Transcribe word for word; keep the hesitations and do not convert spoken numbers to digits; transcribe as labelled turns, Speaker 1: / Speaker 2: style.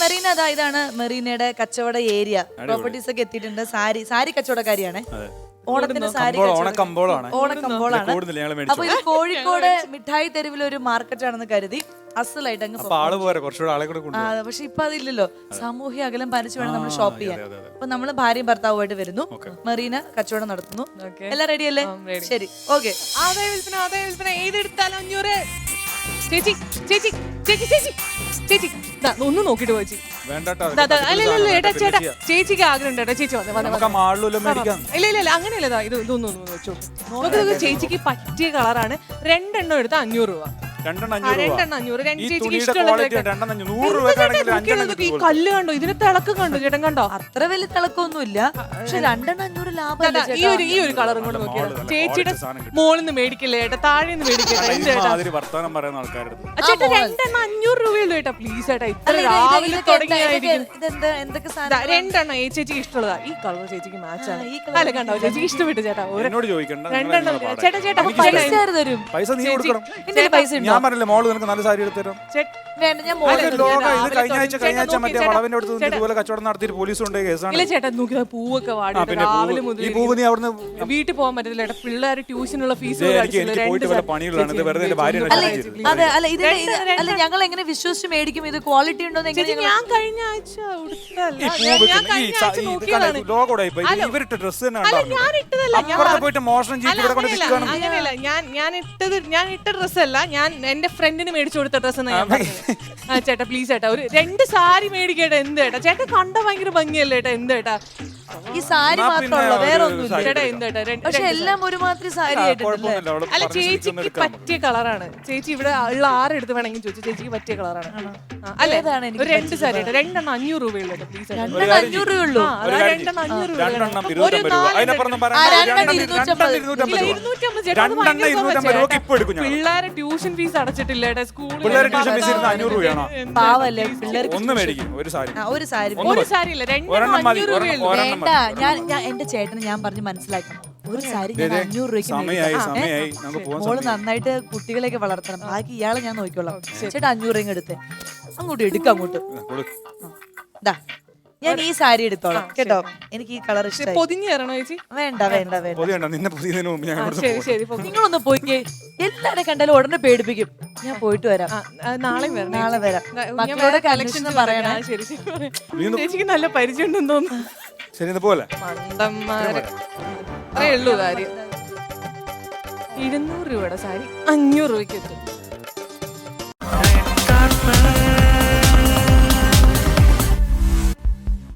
Speaker 1: മെറീന അതാ ഇതാണ് മെറീനയുടെ കച്ചവട ഏരിയ. പ്രോപ്പർട്ടീസ് ഒക്കെ എത്തിയിട്ടുണ്ട്. സാരി സാരി കച്ചവടക്കാരിയാണ്. ഓണത്തിന് സാരി
Speaker 2: ഓണക്കമ്പോളാണ്.
Speaker 1: ഓണക്കമ്പോളാണ്. അപ്പൊ ഇത് കോഴിക്കോട് മിഠായി തെരുവിൽ ഒരു മാർക്കറ്റ് ആണെന്ന് കരുതി അസലായിട്ട് അങ്ങ് പക്ഷെ ഇപ്പൊ അതില്ലല്ലോ. സാമൂഹ്യ അകലം പാലിച്ചു വേണം നമ്മൾ ഷോപ്പ് ചെയ്യാൻ. അപ്പൊ നമ്മള് ഭാര്യയും ഭർത്താവുമായിട്ട് വരുന്നു. മെറീന കച്ചവടം നടത്തുന്നു. എല്ലാം റെഡി അല്ലേ? ശരി, ഓക്കെ.
Speaker 3: ആദായ വിൽപ്പന ആദായ വിൽപ്പന ഏതെടുത്താലും അഞ്ഞൂറ്. ചേച്ചി ചേച്ചി ചേച്ചി ചേച്ചി ചേച്ചി ഒന്ന് നോക്കിട്ട് പോയി. ചേട്ടാ ചേച്ചിക്ക് ആഗ്രഹം ഉണ്ട് ചേട്ടാ. ചേച്ചി വന്നേ ഇല്ല ഇല്ല ഇല്ല അങ്ങനെയല്ലതാ. ഇത് ഇതൊന്നും വെച്ചോ. നോക്കുന്നത് ചേച്ചിക്ക് പറ്റിയ കളറാണ്. രണ്ടെണ്ണം എടുത്ത അഞ്ഞൂറ് രൂപ. രണ്ടെണ്ണം അഞ്ഞൂറ്. രണ്ട് ചേച്ചിക്ക് ഇഷ്ടമുള്ള ഈ കല്ല് കണ്ടോ, ഇതിന് തിളക്കം കണ്ടോ ചേട്ടൻ? കണ്ടോ?
Speaker 1: അത്ര വലിയ തിളക്കമൊന്നുമില്ല. പക്ഷെ രണ്ടെണ്ണം അഞ്ഞൂറ് ലാഭം.
Speaker 3: ഈ ഒരു ഈ ഒരു കളറും കൊണ്ട് നോക്കിയത് ചേച്ചിയുടെ മോളിൽ നിന്ന് മേടിക്കില്ലേ ചേട്ടാ, താഴെ നിന്ന് മേടിക്കട്ടെ. ചേട്ടാ രണ്ടെണ്ണം അഞ്ഞൂറ് രൂപയുള്ളൂ ചേട്ടാ. പ്ലീസ് ചേട്ടാ, ഇത്ര രാവിലെ തുടങ്ങിയായിരിക്കും. രണ്ടെണ്ണം ഈ ചേച്ചിക്ക് ഇഷ്ടമുള്ളതാ. ഈ കളർ ചേച്ചിക്ക് മാച്ചാണ്. അല്ല കണ്ടോ, ചേച്ചിക്ക് ഇഷ്ടപ്പെട്ടു ചേട്ടാ. രണ്ടെണ്ണം ചേട്ടാ ചേട്ടാ
Speaker 1: പൈസ
Speaker 2: പൈസ ഞാൻ പറഞ്ഞില്ലേ മോള് നിനക്ക് നല്ല സാരി എടുത്തരും. കഴിഞ്ഞ ആഴ്ച കഴിഞ്ഞ ആഴ്ച മറ്റേ വളവിന്റെ അടുത്ത് ഇതുപോലെ കച്ചവടം നടത്തിയിട്ട് പോലീസ് കൊണ്ട് കേസാണ്.
Speaker 3: ചേട്ടാ നോക്കിയാ പൂവൊക്കെ വാടി രാവിലെ മുതൽ വീട്ടിൽ പോകാൻ പറ്റത്തില്ല ചേട്ടാ. പിള്ളേർ ട്യൂഷനുള്ള ഫീസ്
Speaker 2: പണികളാണ്. വെറുതെ എന്റെ ഭാര്യ
Speaker 1: അതെ അല്ല ഇത് അല്ല ഞങ്ങൾ എങ്ങനെ വിശ്വസിച്ച് മേടിക്കും? ഇത് ക്വാളിറ്റി ഉണ്ടോ?
Speaker 3: ഞാൻ കഴിഞ്ഞ ആഴ്ച
Speaker 2: ഇവരിട്ട ഡ്രസ്
Speaker 3: അങ്ങനെയല്ല. ഞാൻ ഞാൻ ഇട്ടത് ഞാൻ ഇട്ട ഡ്രസ് അല്ല, ഞാൻ എന്റെ ഫ്രണ്ടിന് മേടിച്ചു കൊടുത്ത ഡ്രസ് ഞാൻ ആ ചേട്ടാ പ്ലീസ് ചേട്ടാ ഒരു രണ്ട് സാരി മേടിക്കേട്ടാ. എന്ത് ചേട്ടാ ചേട്ടാ കണ്ട ഭയങ്കര ഭംഗിയല്ലേ ചേട്ടാ? എന്ത് ചേട്ടാ
Speaker 1: ഈ സാരി മാത്രമല്ല വേറെ ഒന്നും
Speaker 3: ചേട്ടാ? എന്ത് ചേട്ടാ?
Speaker 1: പക്ഷെ എല്ലാം ഒരുമാതിരി സാരി ആയിട്ടുണ്ടല്ലേ?
Speaker 3: അല്ല ചേച്ചിക്ക് പറ്റിയ കളറാണ്. ചേച്ചി ഇവിടെ ഉള്ള ആരെടുത്ത് വേണമെങ്കിൽ ചോദിച്ചു. ചേച്ചിക്ക് പറ്റിയ കളറാണ്. അല്ലേ? ഒരു രണ്ട് സാരി ചേട്ടാ. രണ്ടെണ്ണം അഞ്ഞൂറ് രൂപയുള്ളൂ ചേട്ടാ. പ്ലീസ്
Speaker 1: രണ്ടെണ്ണം അഞ്ഞൂറ് രൂപയുള്ളൂ.
Speaker 3: രണ്ടെണ്ണം അഞ്ഞൂറ് രൂപ. പിള്ളേരെ ട്യൂഷൻ ഫീസ് അടച്ചിട്ടില്ല ചേട്ടാ. സ്കൂളിൽ
Speaker 1: പാവല്ലേ പിള്ളേർക്ക്.
Speaker 2: ഒന്ന് മേടിക്കും ഒരു സാരി.
Speaker 1: ഒരു സാരി
Speaker 3: ഒരു സാരി ഇല്ല, രണ്ടെണ്ണം അഞ്ഞൂറ് രൂപയുള്ളൂ.
Speaker 1: വേണ്ട, ഞാൻ ഞാൻ എന്റെ ചേട്ടന് ഞാൻ പറഞ്ഞ് മനസ്സിലാക്കണം. ഒരു സാരി ഞാൻ അഞ്ഞൂറ് രൂപയ്ക്ക് മോള് നന്നായിട്ട് കുട്ടികളെയൊക്കെ വളർത്തണം. ബാക്കി ഇയാളെ ഞാൻ നോക്കിക്കോളാം. ചേട്ടാ അഞ്ഞൂറ് രൂപ എടുത്ത് അങ്ങോട്ട് എടുക്കാം. അങ്ങോട്ട് ദാ ഞാൻ ഈ സാരി എടുത്തോളാം കേട്ടോ. എനിക്ക് ഈ കളർ ഇഷ്ടം.
Speaker 3: പൊതിഞ്ഞു തരണോ ചേച്ചി?
Speaker 1: വേണ്ട വേണ്ട വേണ്ട.
Speaker 3: ശരി ശരി
Speaker 1: നിങ്ങളൊന്ന് പോയിക്കേ. എല്ലാരെ കണ്ടാലും ഉടനെ പേടിപ്പിക്കും. ഞാൻ പോയിട്ട് വരാം.
Speaker 3: നാളെ വരാം.
Speaker 1: നാളെ വരാം. മക്കളോട് കളക്ഷൻ പറയണേ.
Speaker 3: ശരി ശരി. ചേച്ചിക്ക് നല്ല പരിചയം ഉണ്ടെന്ന് തോന്നുന്നു. മണ്ടന്മാര് അത്രേ ഉള്ളൂ കാര്യം. ഇരുന്നൂറ് രൂപയുടെ സാരി അഞ്ഞൂറ് രൂപയ്ക്ക് എത്തും.